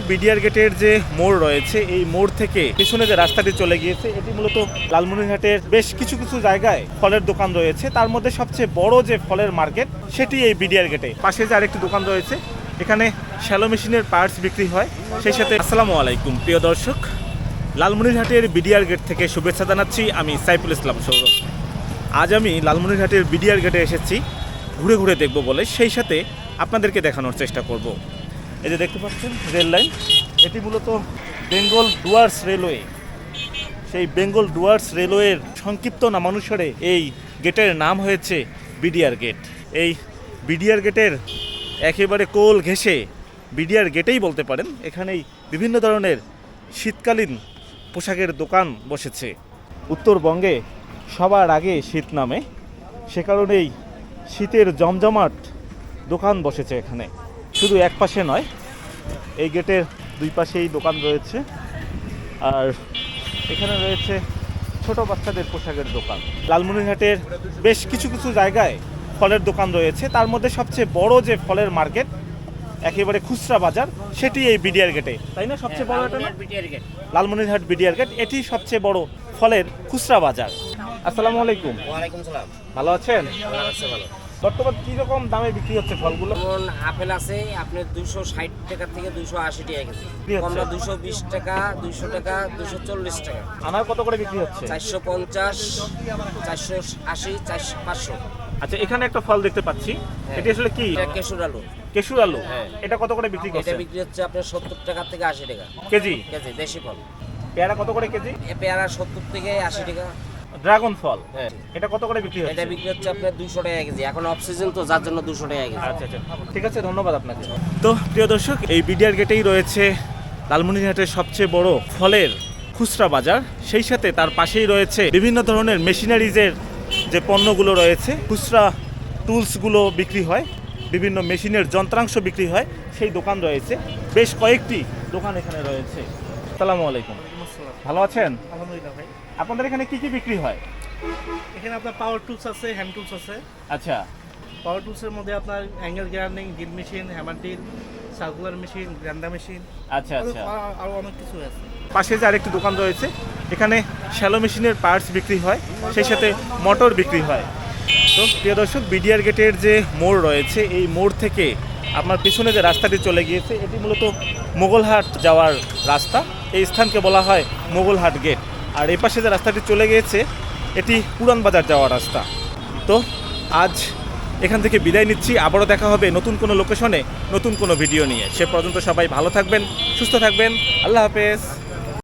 BDR গেটের যে মোড় রয়েছে এই মোড় থেকে পিছনে যে রাস্তাটি চলে গিয়েছে এটি মূলত লালমনিরহাটের বেশ কিছু কিছু জায়গায় ফলের দোকান রয়েছে, তার মধ্যে সবচেয়ে বড় যে ফলের মার্কেট সেটি এই বিডিআর গেটে। পাশে যে আরেকটি দোকান রয়েছে এখানে শ্যালো মেশিনের পার্টস বিক্রি হয়। সেই সাথে আসসালামু আলাইকুম প্রিয় দর্শক, লালমনিরহাটের বিডিআর গেট থেকে শুভেচ্ছা জানাচ্ছি। আমি সাইফুল ইসলাম সৌরভ। আজ আমি লালমনিরহাটের বিডিআর গেটে এসেছি ঘুরে ঘুরে দেখব বলে, সেই সাথে আপনাদেরকে দেখানোর চেষ্টা করব। এই যে দেখতে পাচ্ছেন রেল লাইন, এটি মূলত বেঙ্গল ডুয়ার্স রেলওয়ে। সেই বেঙ্গল ডুয়ার্স রেলওয়ের সংক্ষিপ্ত নামানুসারে এই গেটের নাম হয়েছে বিডিআর গেট। এই বিডিআর গেটের একেবারে কোল ঘেঁষে বিডিআর গেটেই বলতে পারেন, এখানেই বিভিন্ন ধরনের শীতকালীন পোশাকের দোকান বসেছে। উত্তরবঙ্গে সবার আগে শীত নামে, সে কারণেই শীতের জমজমাট দোকান বসেছে এখানে। শুধু এক পাশে নয়, এই গেটের দুই পাশেই দোকান রয়েছে। আর এখানে রয়েছে ছোট বাচ্চাদের পোশাকের দোকান। লালমনিরহাটের বেশ কিছু কিছু জায়গায় ফলের দোকান রয়েছে, তার মধ্যে সবচেয়ে বড় যে ফলের মার্কেট একেবারে খুচরা বাজার সেটি এই বিডিআর গেটে, তাই না? সবচেয়ে বড় এটা লালমনিরহাট বিডিআর গেট, এটি সবচেয়ে বড় ফলের খুচরা বাজার। আসসালামু আলাইকুম। ওয়ালাইকুম সালাম। ভালো আছেন? ভালো। বর্তমান কি রকম দামে বিক্রি হচ্ছে ফলগুলো? যেমন আপেল আছে আপনার 260 টাকা থেকে 280 টাকা কেজি, কমলা 220 টাকা, 200 টাকা, 240 টাকা। আনার কত করে বিক্রি হচ্ছে? 450, 480, 500। আচ্ছা, এখানে একটা ফল দেখতে পাচ্ছি, এটি আসলে কি? এটা কেশর আলু। কেশর আলু, এটা কত করে বিক্রি করছে? এটা বিক্রি হচ্ছে আপনার 70 টাকা থেকে 80 টাকা কেজি। কেজি দেশি ফল। পেয়ারা কত করে কেজি? পেয়ারা 70 থেকে 80 টাকা। ড্রাগন ফল, হ্যাঁ, এটা কত করে বিক্রি হচ্ছে? এটা বিক্রি হচ্ছে আপনার 200 টাকা কেজি। এখন অফ সিজন তো, যার জন্য 200 টাকা কেজি। আচ্ছা আচ্ছা, ঠিক আছে, ধন্যবাদ আপনাকে। তো প্রিয় দর্শক, এই বিডিআর গেটেই রয়েছে লালমনিরহাটের সবচেয়ে বড় ফলের খুচরা বাজার। সেই সাথে তার পাশেই রয়েছে বিভিন্ন ধরনের মেশিনারিজের যে পণ্যগুলো রয়েছে, খুচরা টুলসগুলো বিক্রি হয়, বিভিন্ন মেশিনের যন্ত্রাংশ বিক্রি হয়, সেই দোকান রয়েছে। বেশ কয়েকটি দোকান এখানে রয়েছে। আসসালামু আলাইকুম। ভালো আছেন? আলহামদুলিল্লাহ ভাই। আপনাদের এখানে কি কি বিক্রি হয়? এখানে আপনার পাওয়ার টুলস আছে, হ্যান্ড টুলস আছে। আচ্ছা, পাওয়ার টুলসের মধ্যে আপনার angle grinding, drill machine, hammer drill, circular machine, grinder machine, আচ্ছা আচ্ছা। আরও অনেক কিছু আছে। পাশে যে আরেকটি দোকান রয়েছে এখানে শ্যালো মেশিনের পার্টস বিক্রি হয়, সেই সাথে মোটর বিক্রি হয়। তো প্রিয় দর্শক, বিডিআর গেটের যে মোড় রয়েছে এই মোড় থেকে আপনার পিছনে যে রাস্তাটি চলে গিয়েছে এটি মূলত মোগলহাট যাওয়ার রাস্তা। এই স্থানকে বলা হয় মোগলহাট গেট। আর এই পাশে যে রাস্তাটি চলে গিয়েছে এটি পুরান বাজার যাওয়ার রাস্তা। তো আজ এখান থেকে বিদায় নিচ্ছি, আবারও দেখা হবে নতুন কোনো লোকেশনে নতুন কোনো ভিডিও নিয়ে। সে পর্যন্ত সবাই ভালো থাকবেন, সুস্থ থাকবেন। আল্লাহ হাফেজ।